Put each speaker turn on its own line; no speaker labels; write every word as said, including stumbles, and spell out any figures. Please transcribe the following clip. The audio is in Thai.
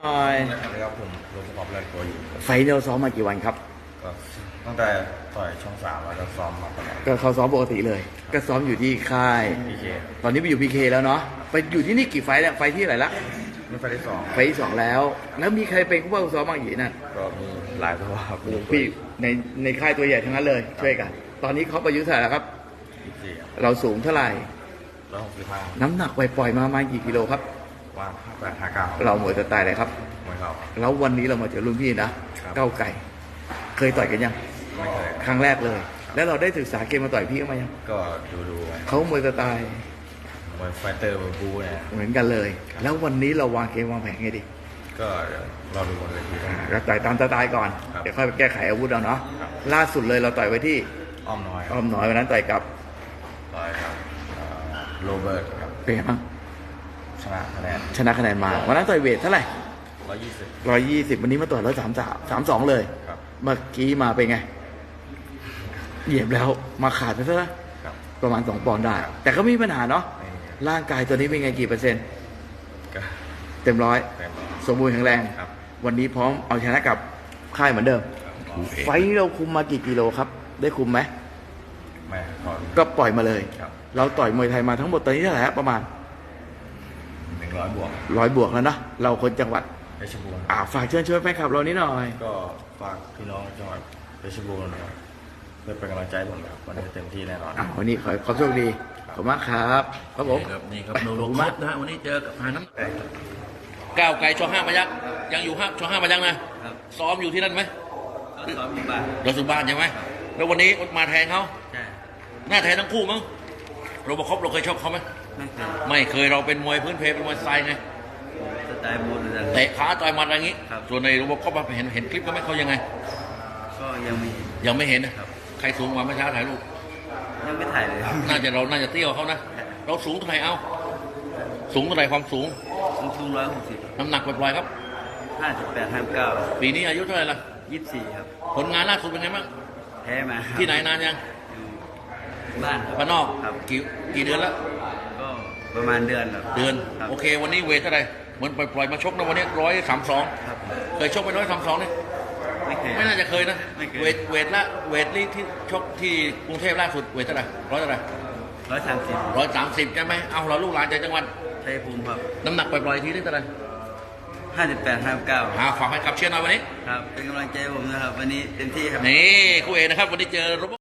หน่อย
นะครับผมลงสมบัติแรกตัวอยู่
ไฟล์เราซ้อมมากี่วันครับ
ก็ตั้งแต่ต่อยช่องสามแล้วก็ซ้อมมาตลอด
ก็เขาซ้อมปกติเลย ก็ซ้อมอยู่ที่ค่าย
พีเค
ตอนนี้ไปอยู่พีเคแล้วเนาะ ไปอยู่ที่นี่กี่ไฟล์แล้วไฟล์ที่ไหนละ
นี่ไฟล์ที่สอง
ไฟล์ที่สองแล้ว แล้วมีใครเป็นผู้ว่าซ้อมบ้างอยู่นั่น
ก็มีหลายตัวครับ
โอ้โหพี่ในในค่ายตัวใหญ่ทั้งนั้นเลย ช่วยกัน ตอนนี้เขาประยุทธ์เท่าไหร่แล้วครับ
พีเค
เราสูงเท่าไหร่
ร้อยหกสิบห้า
น้ำหนักปล่อยๆมาประมาณกี่กิโลครับ
ว่างห้าแปดห้าเก้า
เราหมวยจะตายเลยครับ
ไม่เข้า
แล้ววันนี้เรามาเจอรุ่นพี่นะ
ครับ
เก้าวไก่ เคยต่อยกันยัง
ไม่เคย
ครั้งแรกเลย แล้วเราได้ศึกษาเกมมาต่อยพี่เขามายัง
ก็ดูดูๆไป
เขามวยสไตล์
มวยไฟเตอร์มวยบูเนี่ย
เหมือนกันเลย แล้ววันนี้เราวางเกมวางแผนไงดี
ก็เดี๋ยวเราดูบนเวทีนะ
เราต่อยตามสไตล์ก่อน
ครับ
เดี๋ยวค่อยไปแก้ไขอาวุธเอาเนาะ
ครับ
ล่าสุดเลยเราต่อยไว้ที่
อ้อมน้อย
อ้อมน้อยวันนั้นต่อยกับ
ต่อยครับเอ่อโรเบิร์ตครับ
เป็นไงบ้าง
ชนะคะแนน
ชนะคะแนนมา วันนั้นต่อยเวทเท่าไหร่
ร้อยยี่สิบ
ร้อยยี่สิบวันนี้มาต่อยร้อยสามสามสามสองเลย
ครับ
เมื่อกี้มาเป็นไง เหยียบแล้วมาขาดไปซะละ
ครับ
ประมาณสองปอนด์ได้ แต่ก็ไม่มีปัญหาเนาะ
ไม่
ร่างกายตัวนี้เป็นไงกี่เปอร์เซ็นต์
ก็
เต็มร้อย
เต็มร้อย
สมบูรณ์แข็งแรง
ครับ
วันนี้พร้อมเอาชนะกับค่ายเหมือนเดิม ไฟท์นี้เราคุมมากี่กิโลครับ ได้คุมไหม
ไม่ขอ
ก็ปล่อยมาเลย
ครับ
เราต่อยมวยไทยมาทั้งหมดตอนนี้เท่าไหร่ฮะประมาณ
หนึ่งร้อยบวก
ร้อยบวกแล้วเนาะเราคนจังหวัด
เพชรบูรณ์
อ่าฝากเชิญชวนแฟนคลับเรานี้หน่อย
ก็ฝากพี่น้องจังหวัดเพชรบูรณ์นะครับเพื่อเป็นกำลังใจให้ผมนะครับวันนี้เต็มที่แน่นอน
อ่าวันนี้ขอขอโชคดี ขอบคุณมากครับครับผม
นี่ครับนี่ครับ
ไป
โนโล
ขอบคุณ
คั
มาก
สนะฮะวันนี้เจอกับหาน้
เอ้ย
ำก้าวไกลช่องห้ามายักยังอยู่ห้าช่องห้ามายักนะซ้อมอยู่ที่นั่นไหม
ก็ซ้อมอยู่บ้าน
เราสุบ้านใช่ไหมแล้ววันนี้มาแทนเขา
ใช่
หน้าแทนทั้งคู่มั้งโรบอคอปเราเคยชกเขาไหม
ไม่เคย
ไม่เคยเราเป็นมวยพื้นเพเป็นมวยสไตล์ไง
สไตล์บูนเลย
เตะขาต่อยหมัดอะไรอย่างงี้
ครับ
ส่วนในโรบอคอปเห็นเห็นคลิปก็ไหม่เขายังไง
ก็ยังไม่เห็น
ยังไม่เห็นนะครับ ใครสูงกว่าเมื่อเช้าถ่ายรูป
ยังไม่ถ่ายเลย
น่าจะเราน่าจะเตี้ยวกว่าเขานะเราสูงเท่าไหร่เอาสูงเท่าไหร่ความสูง
สูงสูงร้อยหกสิบ
น้ำหนักปล่อยๆครับ
ห้าสิบแปดห้าเก้า
ปีนี้อายุเท่าไหร่ละ
ยี่สิบสี่ครับ
ผลงานล่าสุดเป็นไงบ้าง
แพ้มาครับ
ที่ไหนนานยัง
อยู่บ้านครับ
บ้านนอก
ครับ
กี่กี่เดือนแล้ว
ก็ประมาณเดือนครับ
เดือน
ครับ
โอเค วันนี้เวทเท่าไหร่เหมือนปล่อยๆมาชกนะวันนี้ร้อยสามสอง
ครับ
เคยชกไปร้อยสามสองเนี่ย
ไม่เคย
ไม่น่าจะเคยนะ
ไม่เคย
เวทเวทละเวทนี่ที่ชกที่กรุงเทพล่าสุดเวทเท่าไหร่ร้อยเท่าไหร่
ร้อยสามสิบ
ร้อยสามสิบใช่ไหมเอาเราลูกหลานจากจังหวัด
ชัยภูมิครับ
น้ำหนักปล่อยๆทีนี่เท่าไหร่
ห้าสิบแปดห้าเก้า
หาฝากให้ขับเชียร์หน่อยวันนี้
ครับเป็นกำลังใจให้ผมนะครับวันนี้เต็มที่ครับ
นี่คู่เอกนะครับวันนี้เจอรบ